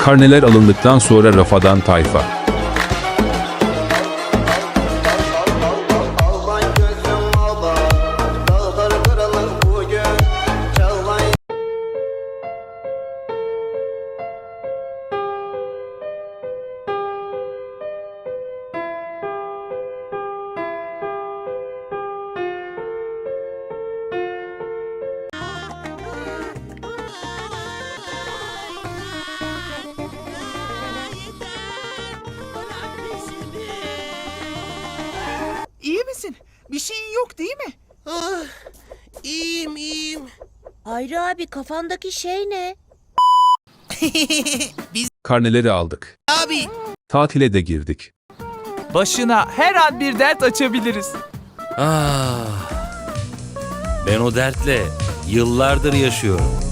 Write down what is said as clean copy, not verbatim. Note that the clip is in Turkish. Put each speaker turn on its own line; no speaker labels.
Karneler alındıktan sonra rafadan tayfa.
İyi misin? Bir şeyin yok değil mi?
Ah, iyiyim.
Hayri abi kafandaki şey ne?
Karneleri aldık.
Abi.
Tatile de girdik.
Başına her an bir dert açabiliriz.
Ah, ben o dertle yıllardır yaşıyorum.